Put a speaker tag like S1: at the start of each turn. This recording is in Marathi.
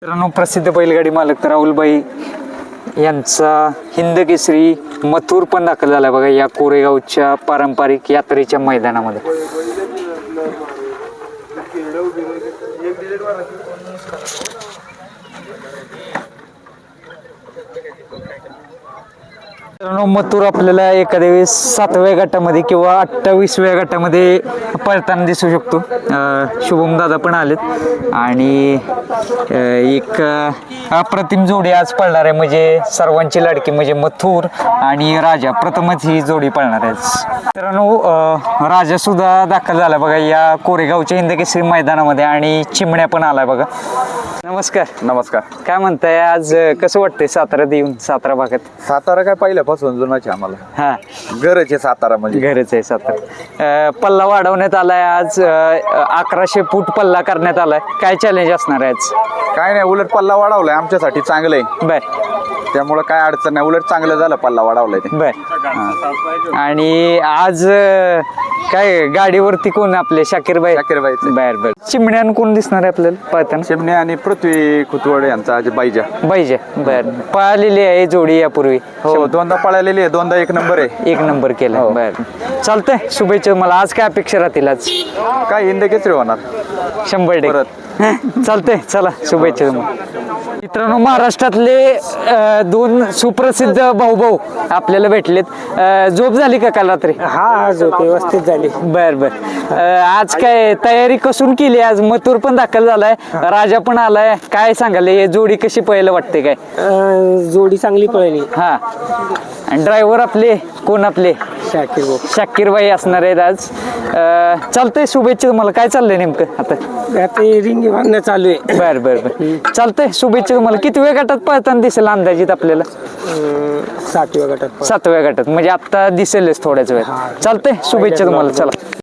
S1: मित्रांनो, प्रसिद्ध बैलगाडी मालक राहुलभाई यांचा हिंद केसरी मथुर पण दाखल झाला बघा या कोरेगावच्या पारंपरिक यात्रेच्या मैदानामध्ये. मित्रांनो, मथुर आपल्याला एखाद्या वेळेस 7व्या गटामध्ये किंवा 28व्या गटामध्ये पळताना दिसू शकतो. शुभम दादा पण आलेत आणि एक अप्रतिम जोडी आज पळणार आहे, म्हणजे सर्वांची लाडकी म्हणजे मथुर आणि राजा प्रथमच ही जोडी पळणार आहे. मित्रांनो, राजा सुद्धा दाखल झाला बघा या कोरेगावच्या हिंद केसरी मैदानामध्ये आणि चिमण्या पण आलाय बघा. नमस्कार.
S2: नमस्कार.
S1: काय म्हणताय, आज कसं वाटतंय साताऱ्यात येऊन? सातारा भागात
S2: सातारा काय पहिल्यापासून जुनाच आहे आम्हाला.
S1: हा,
S2: घरच आहे सातारा म्हणजे.
S1: घरच आहे सातारा. पल्ला वाढवण्यात आलाय आज, 1100 फूट पल्ला करण्यात आलाय. काय चॅलेंज असणार आहे आज?
S2: काय नाही, उलट पल्ला वाढवलाय आमच्यासाठी चांगलं आहे.
S1: बर,
S2: त्यामुळे काय अडचण नाही, उलट चांगलं झालं पल्ला वाढवलाय ते.
S1: बर. आणि आज काय गाडीवरती कोण आपले शाकीरबाई?
S2: शाकीरबाई.
S1: बर बर. चिमण्यान कोण दिसणार आहे आपल्याला पळताना?
S2: चिमणे आणि पृथ्वी खुतवड यांचा आज बाईजा.
S1: बाईजा. बर. पळालेली आहे जोडी यापूर्वी?
S2: हो, दोनदा पळालेली आहे, दोनदा 1 नंबर आहे.
S1: 1 नंबर केला.
S2: हो.
S1: बर, चालतंय. शुभेच्छा. मला आज काय अपेक्षा राहतील आज?
S2: काय हिंद केसरी होणार
S1: 100%.
S2: परत.
S1: चालतंय, चला शुभेच्छा तुम्हाला. मित्रांनो, महाराष्ट्रातले 2 सुप्रसिद्ध भाऊ आपल्याला भेटलेत. झोप झाली का काल रात्री?
S3: हा, झोप व्यवस्थित झाली.
S1: बर बर. आज काय तयारी कसून केली? आज मथुर पण दाखल झालाय, राजा पण आलाय. काय सांगाल, हे जोडी कशी पळायला वाटते? काय
S3: जोडी चांगली पळली.
S1: हा, आणि ड्रायव्हर आपले कोण? आपले
S3: शाकीर भाऊ.
S1: शाकीरबाई असणार आहेत आज. चालतंय, शुभेच्छा तुम्हाला. काय चाललंय नेमकं आता?
S3: आता रिंग बांधणं चालू आहे.
S1: बर बर बर. चालतंय, शुभेच्छा तुम्हाला. किती वेळ गटात पळताना दिसेल अंदाजित आपल्याला?
S3: 7व्या गटात.
S1: 7व्या गटात म्हणजे आता दिसेलच थोड्याच वेळ. चालतंय, शुभेच्छा तुम्हाला. चला.